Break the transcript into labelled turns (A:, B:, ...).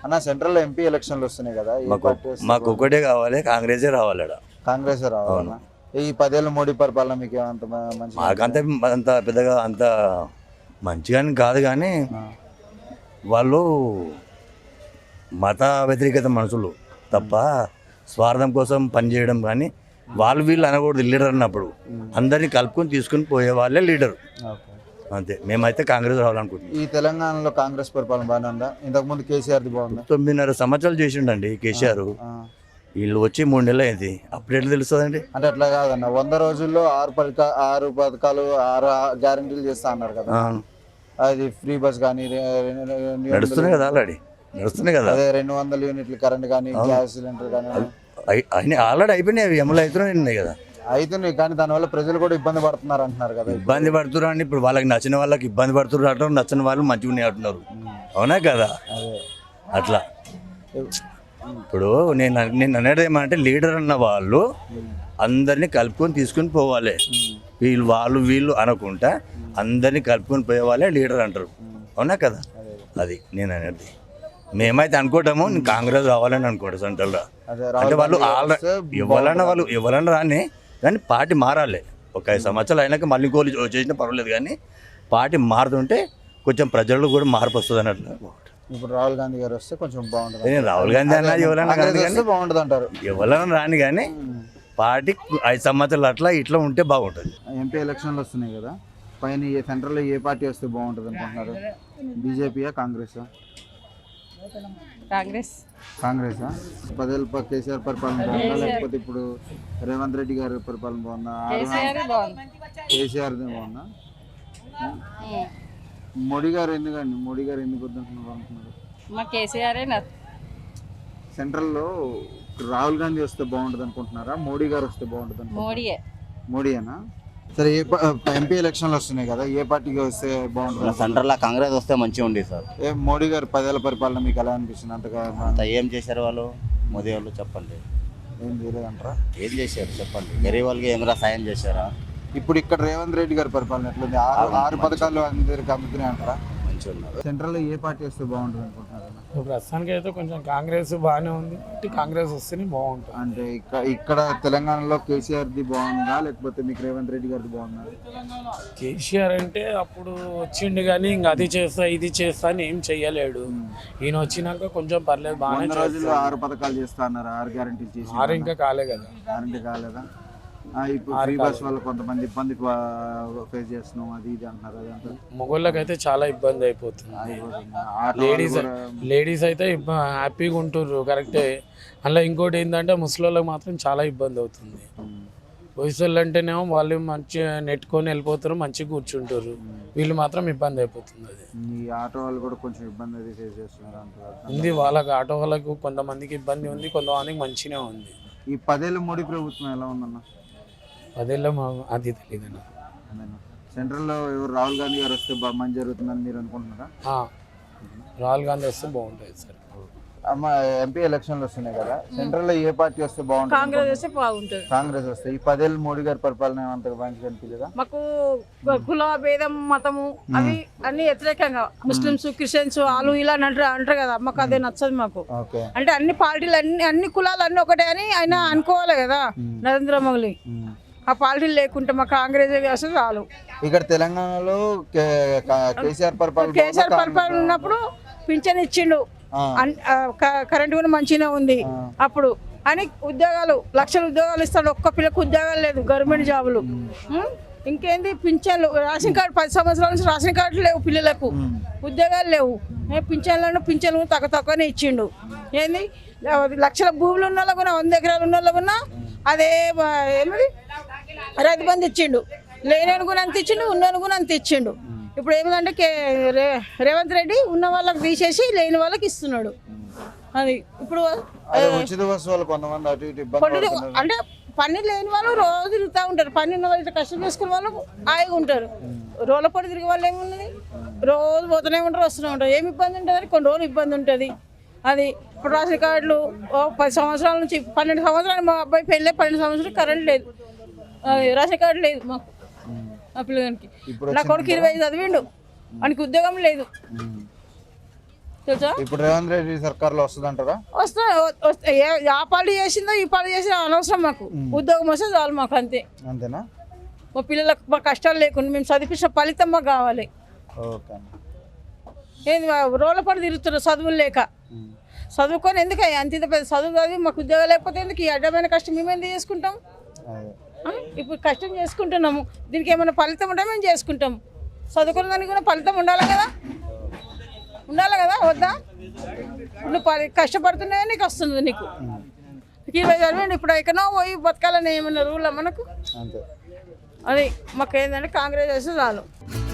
A: అన్న central MP ఎలక్షన్లు వస్తున్నాయి కదా,
B: మాకు ఒకటే కావాలి, కాంగ్రెసే రావాలి.
A: కాంగ్రెస్ రావాలన్నా? ఈ 10 ఏళ్ళ మోడీ పరిపాలన మీకు అంత మంచి?
B: మాకంత అంత పెద్దగా అంత మంచిగాని కాదు, కానీ వాళ్ళు మత వ్యతిరేకత మనుషులు తప్ప స్వార్థం కోసం పనిచేయడం కానీ వాళ్ళు వీళ్ళు అనకూడదు. లీడర్ అన్నప్పుడు అందరినీ కలుపుకొని తీసుకుని పోయే వాళ్ళే లీడర్, అంతే. మేమైతే కాంగ్రెస్ రావాలనుకుంటున్నాం.
A: ఈ తెలంగాణలో కాంగ్రెస్ పరిపాలన బాగానే ఉందా? ఇంతకుముందు కేసీఆర్ది బాగుందా?
B: 9.5 సంవత్సరాలు చేసిండండి కేసీఆర్. వీళ్ళు వచ్చి 3 నెలలు అయింది, అప్పుడు ఎట్లా తెలుస్తుందండి?
A: అంటే అట్లా కాదన్న, 100 రోజుల్లో 6 పథకాలు 6 గ్యారంటీలు చేస్తా అన్నారు కదా. అది ఫ్రీ బస్ కానీ
B: నడుస్తున్నాయి కదా, ఆల్రెడీ నడుస్తున్నాయి కదా.
A: అదే 200 యూనిట్లు కరెంట్ కానీ గ్యాస్ సిలిండర్ కానీ
B: ఆల్రెడీ అయిపోయినాయి, అవి అమలు అవుతున్నాయి కదా.
A: అవుతున్నాయి, కానీ దానివల్ల ప్రజలు కూడా ఇబ్బంది పడుతున్నారు అంటున్నారు కదా.
B: ఇబ్బంది పడుతున్నారు అండి. ఇప్పుడు వాళ్ళకి నచ్చిన వాళ్ళకి ఇబ్బంది పడుతున్నారు అంటారు, నచ్చిన వాళ్ళు మంచిగా ఉన్నాయి అంటున్నారు. అవునా కదా? అట్లా ఇప్పుడు నేను అనేది ఏమంటే, లీడర్ అన్న వాళ్ళు అందరినీ కలుపుకొని తీసుకుని పోవాలి. వీళ్ళు అనకుండా అందరినీ కలుపుకొని పోయే వాళ్ళే లీడర్ అంటారు. అవునా కదా? అది నేను అనేది. మేమైతే అనుకుంటాము కాంగ్రెస్ రావాలని అనుకుంటాం సెంట్రల్లో. అంటే వాళ్ళు ఎవరన్నా రాని, కానీ పార్టీ మారాలి. ఒక 5 సంవత్సరాలు అయినాక మళ్ళీ ఇంకోళ్ళు చేసినా పర్వాలేదు, కానీ పార్టీ మారుతుంటే కొంచెం ప్రజల్లో కూడా మార్పు వస్తుంది అన్నట్లు.
A: ఇప్పుడు రాహుల్ గాంధీ గారు వస్తే కొంచెం బాగుంటుంది.
B: రాహుల్ గాంధీ అన్నది ఎవరైనా
A: బాగుంటుంది అంటారు.
B: ఎవరైనా రాని, కానీ పార్టీ 5 సంవత్సరాలు అట్లా ఇట్లా ఉంటే బాగుంటుంది.
A: ఎంపీ ఎలక్షన్లు వస్తున్నాయి కదా, పైన సెంట్రల్లో ఏ పార్టీ వస్తే బాగుంటుంది అనుకుంటున్నారు? బీజేపీయా కాంగ్రెసా? కాంగ్రెసా? 10 ఏళ్ళ కేసీఆర్ పరిపాలన బాగుందా, లేకపోతే ఇప్పుడు రేవంత్ రెడ్డి గారి పరిపాలన బాగుందా? కేసీఆర్ బాగుందా? మోడీ గారు ఎందుకండి? మోడీ గారు ఎందుకు వద్దంటున్నారు అనుకున్నారు? సెంట్రల్లో రాహుల్ గాంధీ వస్తే బాగుంటుంది అనుకుంటున్నారా, మోడీ గారు వస్తే బాగుంటుంది అనుకుంటున్నారా? మోడీయేనా? సరే, ఎంపీ ఎలక్షన్లు వస్తున్నాయి కదా, ఏ పార్టీకి వస్తే బాగుంటుంది?
C: సెంట్రల్లో కాంగ్రెస్ వస్తే మంచిగా ఉంది సార్.
A: మోడీ గారు 10 ఏళ్ళ పరిపాలన మీకు ఎలా అనిపిస్తుంది?
C: అంత ఏం చేశారు వాళ్ళు? మోదీ వాళ్ళు చెప్పండి,
A: ఏం చేయలేదంటారా?
C: ఏం చేశారు చెప్పండి. గరీబ్ వాళ్ళకి ఏమైనా సాయం చేశారా?
A: ఇప్పుడు ఇక్కడ రేవంత్ రెడ్డి గారి పరిపాలన ఎట్లుంది? 6 పథకాలు అందరికి అందుతున్నాయి అంటారా?
C: మంచిగా ఉన్నారు.
A: సెంట్రల్లో ఏ పార్టీ వస్తే బాగుంటుంది అనుకుంటున్నారు?
D: ప్రస్తుతానికి అయితే కొంచెం కాంగ్రెస్ బాగానే ఉంది, కాంగ్రెస్ వస్తేనే బాగుంటుంది.
A: అంటే ఇక్కడ తెలంగాణలో కేసీఆర్ది బాగుందా, లేకపోతే మీకు రేవంత్ రెడ్డి గారిది బాగుందా?
D: కేసీఆర్ అంటే అప్పుడు వచ్చిండు, కానీ ఇంకా అది చేస్తా ఇది చేస్తా అని ఏం చెయ్యలేడు. ఈయన వచ్చినాక కొంచెం పర్లేదు, బాగానే.
A: 100 రోజుల్లో 6 పథకాలు చేస్తా అన్నారు, 6 గ్యారంటీలు చేసి.
D: 6 ఇంకా కాలే కదా.
A: గ్యారంటీ కాలేదా? ఇప్పుడు ఫ్రీ బస్ వల్ల కొంతమంది ఇబ్బంది ఫేస్ చేస్తున్నాం, అది ఇది అంటున్నారు. అదంతా
D: మగోళ్ళకి అయితే చాలా ఇబ్బంది అయిపోతుంది. లేడీస్ అయితే హ్యాపీగా ఉంటుర్రు, కరెక్టే. అలా ఇంకోటి ఏంటంటే ముసలోళ్ళకి మాత్రం చాలా ఇబ్బంది అవుతుంది. వయసులు అంటేనేమో వాళ్ళు మంచిగా నెట్టుకొని వెళ్ళిపోతారు, మంచిగా కూర్చుంటారు. వీళ్ళు మాత్రం ఇబ్బంది అయిపోతుంది. అది
A: ఈ ఆటో వాళ్ళు కూడా కొంచెం ఇబ్బంది అది ఫేస్ చేస్తున్నారు
D: ఉంది. వాళ్ళకి ఆటో వాళ్ళకు కొంతమందికి ఇబ్బంది ఉంది, కొంతమందికి మంచిగా ఉంది.
A: ఈ 10 ఏళ్ళ మోడీ ప్రభుత్వం ఎలా ఉందన్న?
D: 10 ఏళ్ళ అది తెలియదు.
A: సెంట్రల్లో ఎవరు రాహుల్ గాంధీ గారు వస్తే మంచి జరుగుతుందని మీరు అనుకుంటున్నారా?
D: రాహుల్ గాంధీ వస్తే బాగుంటుంది సార్.
A: అమ్మ, ఎంపీ ఎలక్షన్లు వస్తున్నాయి కదా, సెంట్రల్లో ఏ పార్టీ వస్తే బాగుంటుంది?
E: కాంగ్రెస్ వస్తే బాగుంటుంది.
A: కాంగ్రెస్ వస్తే. ఈ 10 ఏళ్ళు మోడీ గారి పరిపాలన అంతగా మంచిగా అనిపించదా?
E: మాకు కుల భేదం మతము అవి అన్ని వ్యతిరేకంగా, ముస్లిమ్స్ క్రిస్టియన్స్ వాళ్ళు ఇలా అంటారు కదా, మాకు అదే నచ్చదు. మాకు అంటే అన్ని పార్టీలు అన్ని కులాలు అన్ని ఒకటే అని ఆయన అనుకోవాలి కదా నరేంద్ర మోదీ. ఆ పార్టీలు లేకుంటే మా కాంగ్రెస్ వస్తే చాలు.
A: ఇక్కడ తెలంగాణలో కేసీఆర్ పరిపాలన
E: ఉన్నప్పుడు పింఛన్ ఇచ్చిండు, కరెంట్ కూడా మంచిగా ఉంది. అప్పుడు అని ఉద్యోగాలు 1,00,000 ఉద్యోగాలు ఇస్తాడు, ఒక్క పిల్లకు ఉద్యోగాలు లేదు, గవర్నమెంట్ జాబులు. ఇంకేంది పింఛన్లు, రేషన్ కార్డు 10 సంవత్సరాల నుంచి రేషన్ కార్డులు లేవు, పిల్లలకు ఉద్యోగాలు లేవు. పింఛన్లు తక్కువనే ఇచ్చిండు. ఏంది 1,00,000 భూములు ఉన్న వాళ్ళకు 100 ఎకరాలు ఉన్న వాళ్ళకు అదే ఏమది రైతు బంధు ఇచ్చిండు. లేని కూడా అంత ఇచ్చిండు, ఉన్న కూడా అంత ఇచ్చిండు. ఇప్పుడు ఏమిటంటే రేవంత్ రెడ్డి ఉన్న వాళ్ళకి తీసేసి లేని వాళ్ళకి ఇస్తున్నాడు. అది ఇప్పుడు అంటే పని లేని వాళ్ళు రోజు తిరుగుతూ ఉంటారు, పని ఉన్న వాళ్ళు కష్టం చేసుకునే వాళ్ళు హాయిగా ఉంటారు. రోడ్ల పొడి తిరిగే వాళ్ళు ఏమున్నది, రోజు పోతూనే ఉంటారు, వస్తూనే ఉంటారు. ఏమి ఇబ్బంది ఉంటుంది? కొన్ని రోజులు ఇబ్బంది ఉంటుంది. అది ఇప్పుడు రేషన్ కార్డులు 10 సంవత్సరాల నుంచి 12 సంవత్సరాలు మా అబ్బాయి పెళ్ళి 12 సంవత్సరాలు కరెంట్ లేదు, రేషన్ కార్డు లేదు మాకు. ఆ పిల్లగానికి నా కొడుకు 20 చదివిండు, వానికి ఉద్యోగం లేదు. తెలుసా?
A: ఇప్పుడు రేవంత్ రెడ్డి సర్కార్లో వస్తుంది అంటారా?
E: వస్తే ఆ పార్టీ చేసిందో ఈ పార్టీ చేసిందో అనవసరం మాకు. ఉద్యోగం వస్తే చాలు మాకు, అంతే.
A: అంతేనా?
E: మా పిల్లలకు మా కష్టాలు లేకుండా మేము చదివించిన ఫలితం మాకు కావాలి.
A: ఓకే అన్న.
E: ఏంది రోడ్ల పడి తిరుగుతున్నారు చదువులు లేక. చదువుకొని ఎందుకు అంత ఇంత పెద్ద చదువు చదివి మాకు ఉద్యోగం లేకపోతే ఎందుకు ఈ అడ్డమైన కష్టం మేము ఎందుకు చేసుకుంటాం? ఇప్పుడు కష్టం చేసుకుంటున్నాము, దీనికి ఏమైనా ఫలితం ఉంటే మేము చేసుకుంటాము. చదువుకున్న దానికి కూడా ఫలితం ఉండాలి కదా, ఉండాలి కదా వద్దా? నువ్వు కష్టపడుతున్నాయో నీకు వస్తుంది, నీకు 20,000 ఇప్పుడు ఎక్కడో పోయి బతకాలని ఏమన్నా రూల్ మనకు?
A: అంతే.
E: అది మాకు ఏంటంటే కాంగ్రెస్ చేస్తే చాలు.